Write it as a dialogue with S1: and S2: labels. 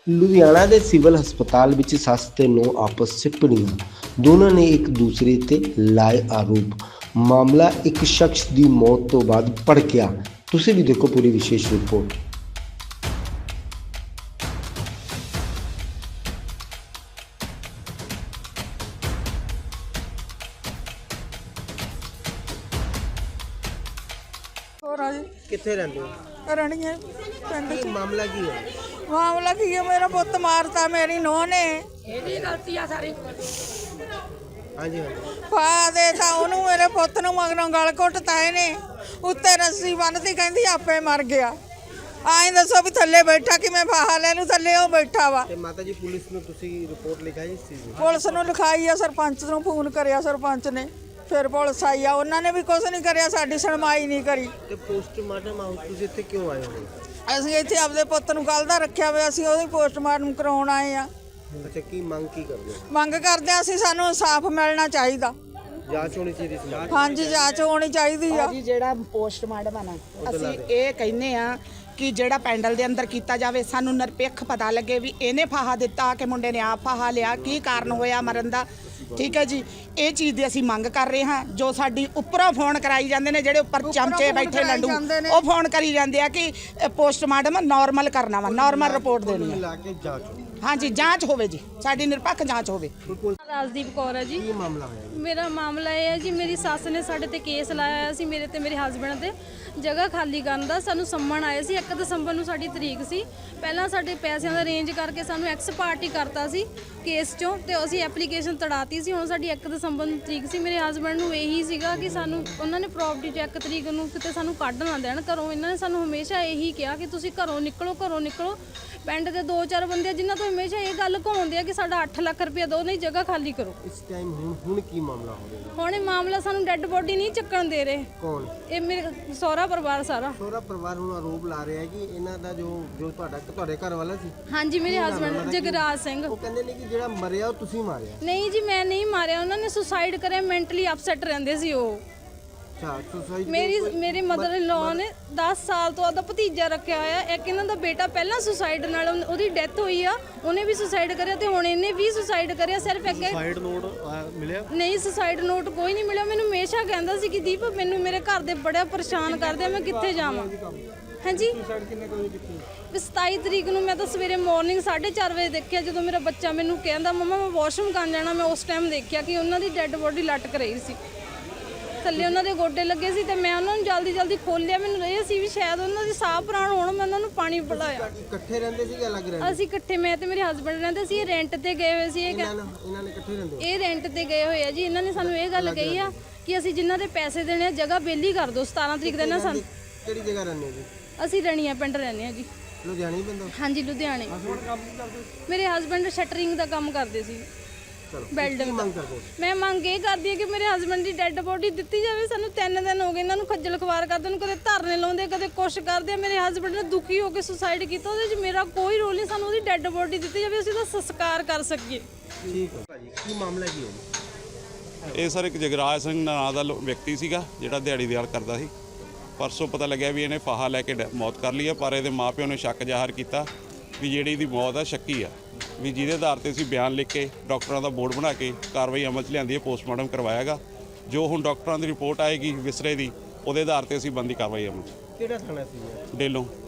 S1: ਲੁਧਿਆਣਾ ਦੇ ਸਿਵਲ ਹਸਪਤਾਲ ਵਿੱਚ ਸੱਸ ਤੇ ਨੂੰਹ ਆਪਸ 'ਚ ਭਿੜੀਆਂ। ਦੋਨਾਂ ਨੇ ਇੱਕ ਦੂਸਰੇ ਤੇ ਲਾਏ ਆਰੋਪ। ਮਾਮਲਾ ਇੱਕ ਸ਼ਖਸ ਦੀ ਮੌਤ ਤੋਂ ਬਾਅਦ ਭੜਕਿਆ। ਤੁਸੀਂ ਵੀ ਦੇਖੋ ਪੂਰੀ ਵਿਸ਼ੇਸ਼ ਰਿਪੋਰਟ।
S2: ਹੋਰ ਆ ਜੀ
S1: ਕਿੱਥੇ ਰਹਿੰਦੇ ਹੋ?
S2: ਰਣੀਏ ਪਿੰਡ ਚ।
S1: ਮਾਮਲਾ ਕੀ ਹੈ?
S2: ਮਾਮਲਾ ਕੀ ਹੈ, ਮੇਰਾ ਪੁੱਤ ਮਾਰਤਾ ਮੇਰੀ ਨੂੰਹ ਨੇ।
S3: ਇਹਦੀ ਗਲਤੀ ਆ ਸਾਰੀ।
S1: ਹਾਂਜੀ
S2: ਪਾ ਦੇ ਤਾਂ ਉਹਨੂੰ, ਮੇਰੇ ਪੁੱਤ ਨੂੰ ਮਗਰੋਂ ਗਲ ਘੁੱਟਤਾ ਇਹਨੇ। ਉੱਤੇ ਰੱਸੀ ਬੰਨ੍ਹਤੀ, ਕਹਿੰਦੀ ਆਪੇ ਮਰ ਗਿਆ। ਆਏ ਦੱਸੋ ਵੀ ਥੱਲੇ ਬੈਠਾ ਕਿਵੇਂ ਫਾਹਾ ਲੈ ਲੂ, ਥੱਲੇ ਉਹ ਬੈਠਾ ਵਾ।
S1: ਤੇ ਮਾਤਾ ਜੀ ਪੁਲਿਸ ਨੂੰ ਤੁਸੀਂ ਰਿਪੋਰਟ ਲਿਖਾਈ ਇਸ ਚੀਜ਼ ਦੀ?
S2: ਪੁਲਿਸ ਨੂੰ ਲਿਖਾਈ ਆ, ਸਰਪੰਚ ਨੂੰ ਫੋਨ ਕਰਿਆ ਸਰਪੰਚ ਨੇ, ਫਿਰ ਪੁਲਿਸ ਆਈ ਆ, ਉਹਨਾਂ ਨੇ ਵੀ ਕੁਝ ਨਹੀਂ ਕਰਿਆ, ਸਾਡੀ ਸੁਣਵਾਈ ਨਹੀਂ ਕਰੀ।
S1: ਤੇ ਪੋਸਟਮਾਰਟਮ ਹਾਊਸ ਤੁਸੀਂ ਇੱਥੇ ਕਿਉਂ ਆਏ ਹੋ?
S2: ਅਸੀਂ ਇੱਥੇ ਆਪਦੇ ਪੁੱਤ ਨੂੰ ਕੱਲ੍ਹ ਦਾ ਰੱਖਿਆ ਹੋਇਆ, ਅਸੀਂ ਉਹਦੀ ਪੋਸਟਮਾਰਟਮ ਕਰਾਉਣ ਆਏ ਆ।
S1: ਅੱਛਾ, ਕੀ ਮੰਗ ਕੀ ਕਰਦੇ ਹੋ?
S2: ਮੰਗ ਕਰਦੇ ਆ ਅਸੀਂ, ਸਾਨੂੰ ਇਨਸਾਫ ਮਿਲਣਾ ਚਾਹੀਦਾ।
S1: ਜਾਂਚ ਹੋਣੀ ਚਾਹੀਦੀ ਸੀ।
S2: ਹਾਂਜੀ, ਜਾਂਚ ਹੋਣੀ ਚਾਹੀਦੀ ਆ।
S4: ਜੀ ਜਿਹੜਾ ਪੋਸਟਮਾਰਟਮ ਆ ਨਾ, ਅਸੀਂ ਇਹ ਕਹਿੰਦੇ ਆ ਕਿ ਜਿਹੜਾ ਪੈਂਡਲ ਦੇ ਅੰਦਰ ਕੀਤਾ ਜਾਵੇ, ਸਾਨੂੰ ਨਿਰਪੱਖ ਪਤਾ ਲੱਗੇ ਵੀ ਇਹਨੇ ਫਾਹਾ ਦਿੱਤਾ ਕਿ ਮੁੰਡੇ ਨੇ ਆਪ ਫਾਹਾ ਲਿਆ, ਕੀ ਕਾਰਨ ਹੋਇਆ ਮਰਨ ਦਾ। ਠੀਕ ਹੈ ਜੀ, ਇਹ ਚੀਜ਼ ਦੀ ਅਸੀਂ ਮੰਗ ਕਰ ਰਹੇ ਹਾਂ। ਜੋ ਸਾਡੀ ਉੱਪਰੋਂ ਫੋਨ ਕਰਾਈ ਜਾਂਦੇ ਨੇ, ਜਿਹੜੇ ਉੱਪਰ ਚਮਚੇ ਬੈਠੇ ਲੰਡੂ, ਉਹ ਫੋਨ ਕਰੀ ਜਾਂਦੇ ਆ ਕਿ ਪੋਸਟਮਾਰਟਮ ਨਾਰਮਲ ਕਰਨਾ ਵਾ, ਨਾਰਮਲ ਰਿਪੋਰਟ ਦੇਣੀ ਹੈ।
S1: ਲਾ ਕੇ ਜਾਂਚ
S4: ਹਾਂਜੀ, ਜਾਂਚ ਹੋਵੇ ਜੀ, ਸਾਡੀ ਨਿਰਪੱਖ ਜਾਂਚ ਹੋਵੇ।
S5: ਰਾਜਦੀਪ ਕੌਰ ਹੈ ਜੀ।
S1: ਕੀ ਮਾਮਲਾ ਹੋਇਆ?
S5: ਮੇਰਾ ਮਾਮਲਾ ਇਹ ਹੈ ਜੀ, ਮੇਰੀ ਸੱਸ ਨੇ ਸਾਡੇ ਤੇ ਕੇਸ ਲਾਇਆ ਹੋਇਆ ਸੀ, ਮੇਰੇ ਤੇ ਮੇਰੇ ਹਸਬੈਂਡ ਤੇ, ਜਗ੍ਹਾ ਖਾਲੀ ਕਰਨ ਦਾ। ਸਾਨੂੰ ਸੰਮਣ ਆਏ ਸੀ, 1 ਦਸੰਬਰ ਨੂੰ ਸਾਡੀ ਤਰੀਕ ਸੀ। ਪਹਿਲਾਂ ਸਾਡੇ ਪੈਸਿਆਂ ਦਾ ਅਰੇਂਜ ਕਰਕੇ ਸਾਨੂੰ ਐਕਸ ਪਾਰਟੀ ਕਰਤਾ ਸੀ ਕੇਸ ਚੋਂ, ਤੇ ਅਸੀਂ ਐਪਲੀਕੇਸ਼ਨ ਤੜਾਤੀ ਸੀ। ਹੁਣ ਸਾਡੀ 1 ਦਸੰਬਰ ਨੂੰ ਤਰੀਕ ਸੀ। ਮੇਰੇ ਹਸਬੈਂਡ ਨੂੰ ਇਹੀ ਸੀਗਾ ਕਿ ਸਾਨੂੰ ਉਹਨਾਂ ਨੇ ਪ੍ਰੋਪਰਟੀ 'ਚ 1 ਤਰੀਕ ਨੂੰ ਕਿਤੇ ਸਾਨੂੰ ਕੱਢ ਨਾ ਦੇਣ ਘਰੋਂ। ਇਹਨਾਂ ਨੇ ਸਾਨੂੰ ਹਮੇਸ਼ਾ ਇਹੀ ਕਿਹਾ ਕਿ ਤੁਸੀਂ ਘਰੋਂ ਨਿਕਲੋ, ਘਰੋਂ ਨਿਕਲੋ। ਪਿੰਡ ਦੇ 2-4 ਬੰਦੇ ਜਿਨ੍ਹਾਂ ਤੋਂ ਹਮੇਸ਼ਾ ਇਹ ਗੱਲ ਘਾਉਂਦੇ ਆ ਕਿ ਸਾਡਾ 8 ਲੱਖ ਰੁਪਇਆ ਦਿਓ, ਨਹੀਂ ਜਗ੍ਹਾ ਖਾਲੀ ਕਰੋ।
S1: ਇਸ ਟਾਈਮ ਹੁਣ ਕੀ ਮਾਮਲਾ ਹੋ ਰਿਹਾ?
S5: ਹੁਣ ਇਹ ਮਾਮਲਾ ਸਾਨੂੰ ਡੈੱਡ ਬੋਡੀ ਨਹੀਂ ਚੱਕਣ ਦੇ ਰਹੇ।
S1: ਕੌਣ?
S5: ਇਹ ਮੇਰੇ ਸਹੁਰਾ ਪਰਿਵਾਰ ਸਾਰਾ।
S1: ਸਹੁਰਾ ਪਰਿਵਾਰ ਹੁਣ ਆਰੋਪ ਲਾ ਰਿਹਾ ਹੈ ਕਿ ਇਹਨਾਂ ਦਾ ਜੋ ਤੁਹਾਡੇ ਘਰ ਵਾਲਾ ਸੀ।
S5: ਹਾਂਜੀ, ਮੇਰੇ ਹਸਬੈਂਡ ਜਗਰਾਜ ਸਿੰਘ।
S1: ਉਹ ਕਹਿੰਦੇ ਨੇ ਕਿ ਜਿਹੜਾ ਮਰਿਆ ਉਹ ਤੁਸੀਂ ਮਾਰਿਆ।
S5: ਨਹੀਂ ਜੀ, ਮੈਂ ਨਹੀਂ ਮਾਰਿਆ, ਉਹਨਾਂ ਨੇ ਸੁਸਾਈਡ ਕਰਿਆ। ਮੈਂਟਲੀ ਅਪਸੈਟ ਰਹਿੰਦੇ ਸੀ ਉਹ।
S1: ਅੱਛਾ, ਸੁਸਾਈਡ।
S5: ਮੇਰੀ ਮਦਰ ਇਨ ਲਾਅ ਨੇ 10 ਸਾਲ ਤੋਂ ਆਪਦਾ ਭਤੀਜਾ ਰੱਖਿਆ ਹੋਇਆ। ਇੱਕ ਇਹਨਾਂ ਦਾ ਬੇਟਾ ਪਹਿਲਾਂ ਸੁਸਾਈਡ ਨਾਲ ਉਹਦੀ ਡੈਥ ਹੋਈ ਆ, ਉਹਨੇ ਵੀ ਸੁਸਾਈਡ ਕਰਿਆ, ਤੇ ਹੁਣ ਇਹਨੇ ਵੀ ਸੁਸਾਈਡ ਕਰਿਆ। ਸਿਰਫ ਇੱਕ ਸੁਸਾਈਡ ਨੋਟ ਮਿਲਿਆ? ਨਹੀਂ, ਸੁਸਾਈਡ ਨੋਟ ਕੋਈ ਨਹੀਂ ਮਿਲਿਆ। ਮੈਨੂੰ ਹਮੇਸ਼ਾ ਕਹਿੰਦਾ ਸੀ ਕਿ ਦੀਪ ਮੈਨੂੰ ਮੇਰੇ ਘਰ ਦੇ ਬੜਾ ਪਰੇਸ਼ਾਨ ਕਰਦੇ ਆ, ਮੈਂ ਕਿੱਥੇ ਜਾਵਾਂ। ਹਾਂਜੀ, 27 ਤਰੀਕ ਨੂੰ ਮੈਂ ਤਾਂ ਸਵੇਰੇ ਮਾਰਨਿੰਗ 4:30 ਵਜੇ ਦੇਖਿਆ, ਜਦੋਂ ਮੇਰਾ ਬੱਚਾ ਮੈਨੂੰ ਕਹਿੰਦਾ ਮੰਮਾ ਮੈਂ ਵਾਸ਼ਰੂਮ ਕਰਨ ਜਾਣਾ। ਮੈਂ ਉਸ ਟਾਈਮ ਦੇਖਿਆ ਕਿ ਉਹਨਾਂ ਦੀ ਡੈੱਡ ਬੋਡੀ ਲਟਕ ਰਹੀ ਸੀ, ਥੱਲੇ ਉਹਨਾਂ ਦੇ ਗੋਡੇ ਲੱਗੇ ਸੀ, ਤੇ ਮੈਂ ਉਹਨਾਂ ਨੂੰ ਜਲਦੀ ਖੋਲ੍ਹਿਆ। ਮੈਨੂੰ ਇਹ ਸੀ ਵੀ ਸ਼ਾਇਦ ਉਹਨਾਂ ਦੀ ਸਾਹ ਪ੍ਰਾਣ ਹੋਣ। ਮੈਂ ਉਹਨਾਂ ਨੂੰ ਪਾਣੀ ਪਿਲਾਇਆ।
S1: ਇਕੱਠੇ ਰਹਿੰਦੇ ਸੀ ਕਿ ਅਲੱਗ ਰਹਿੰਦੇ?
S5: ਅਸੀਂ ਇਕੱਠੇ, ਮੈਂ ਤੇ ਮੇਰੇ ਹਸਬੰਡ ਰਹਿੰਦੇ ਸੀ। ਇਹ ਰੈਂਟ ਤੇ ਗਏ ਹੋਏ ਸੀ।
S1: ਇਹਨਾਂ ਨੇ ਇਕੱਠੇ ਰਹਿੰਦੇ?
S5: ਇਹ ਰੈਂਟ ਤੇ ਗਏ ਹੋਏ ਆ ਜੀ। ਇਹਨਾਂ ਨੇ ਸਾਨੂੰ ਇਹ ਗੱਲ ਕਹੀ ਆ ਕਿ ਅਸੀਂ ਜਿਨ੍ਹਾਂ ਦੇ ਪੈਸੇ ਦੇਣੇ ਆ ਜਗ੍ਹਾ ਬੇਲੀ ਕਰ ਦਿਓ। 17 ਤਰੀਕ ਦੇ ਨਾ ਸਾਨੂੰ।
S1: ਕਿਹੜੀ ਜਗ੍ਹਾ ਰਹਿੰਦੇ ਜੀ?
S5: ਅਸੀਂ ਰਣੀਆਂ ਪਿੰਡ ਰਹਿੰਦੇ ਆ ਜੀ।
S1: ਲੁਧਿਆਣੇ ਪਿੰਡ? ਹਾਂਜੀ,
S5: ਲੁਧਿਆਣੇ। ਮੇਰੇ ਹਸਬੰਡ ਸ਼ਟਰਿੰਗ ਦਾ ਕੰਮ ਕਰਦੇ ਸੀ, ਬਿਲਡਿੰਗ ਦਾ। ਮੈਂ ਮੰਗ ਇਹ ਕਰਦੀ ਹਾਂ ਕਿ ਮੇਰੇ ਹਸਬੰਡ ਦੀ ਡੈੱਡ ਬੋਡੀ ਦਿੱਤੀ ਜਾਵੇ। ਸਾਨੂੰ 3 ਦਿਨ ਹੋ ਗਏ ਇਹਨਾਂ ਨੂੰ ਖੱਜਲ ਖਵਾਰ ਕਰਦੇ ਨੂੰ, ਕਦੇ ਧਰਨੇ ਲਾਉਂਦੇ, ਕਦੇ ਕੁਛ ਕਰਦੇ। ਮੇਰੇ ਹਸਬੰਡ ਨੇ ਦੁਖੀ ਹੋ ਕੇ ਸੁਸਾਈਡ ਕੀਤਾ, ਉਹਦੇ 'ਚ ਮੇਰਾ ਕੋਈ ਰੋਲ ਨਹੀਂ। ਸਾਨੂੰ ਉਹਦੀ ਡੈੱਡ ਬੋਡੀ ਦਿੱਤੀ ਜਾਵੇ, ਅਸੀਂ ਉਹਦਾ ਸੰਸਕਾਰ ਕਰ ਸਕੀਏ।
S1: ਠੀਕ ਹੈ ਭਾਜੀ, ਕੀ ਮਾਮਲਾ ਕੀ ਹੋਇਆ?
S6: ਇਹ ਸਰ ਇੱਕ ਜਗਰਾਜ ਸਿੰਘ ਨਾਂ ਦਾ ਵਿਅਕਤੀ ਸੀਗਾ, ਜਿਹੜਾ ਦਿਹਾੜੀ ਦਿਹਾੜ ਕਰਦਾ ਸੀ। ਪਰਸੋਂ ਪਤਾ ਲੱਗਿਆ ਵੀ ਇਹਨੇ ਫਾਹਾ ਲੈ ਕੇ ਮੌਤ ਕਰ ਲਈ ਹੈ, ਪਰ ਇਹਦੇ ਮਾਪਿਓ ਨੇ ਸ਼ੱਕ ਜ਼ਾਹਰ ਕੀਤਾ ਵੀ ਜਿਹੜੀ ਇਹਦੀ ਮੌਤ ਆ ਸ਼ੱਕੀ ਆ, ਵੀ ਜਿਹਦੇ ਆਧਾਰ ਤੇ ਅਸੀਂ ਬਿਆਨ ਲਿਖ ਕੇ ਡਾਕਟਰਾਂ ਦਾ ਬੋਰਡ ਬਣਾ ਕੇ ਕਾਰਵਾਈ ਅਮਲ 'ਚ ਲਿਆਂਦੀ ਹੈ। ਪੋਸਟਮਾਰਟਮ ਕਰਵਾਇਆਗਾ। ਜੋ ਹੁਣ ਡਾਕਟਰਾਂ ਦੀ ਰਿਪੋਰਟ ਆਏਗੀ ਵਿਸਰੇ ਦੀ, ਉਹਦੇ ਆਧਾਰ ਤੇ ਅਸੀਂ ਬਣਦੀ ਕਾਰਵਾਈ ਅਮਲ 'ਚ।
S1: ਕਿਹੜਾ ਥਾਣਾ ਸੀ?
S6: ਡੇਲੋਂ।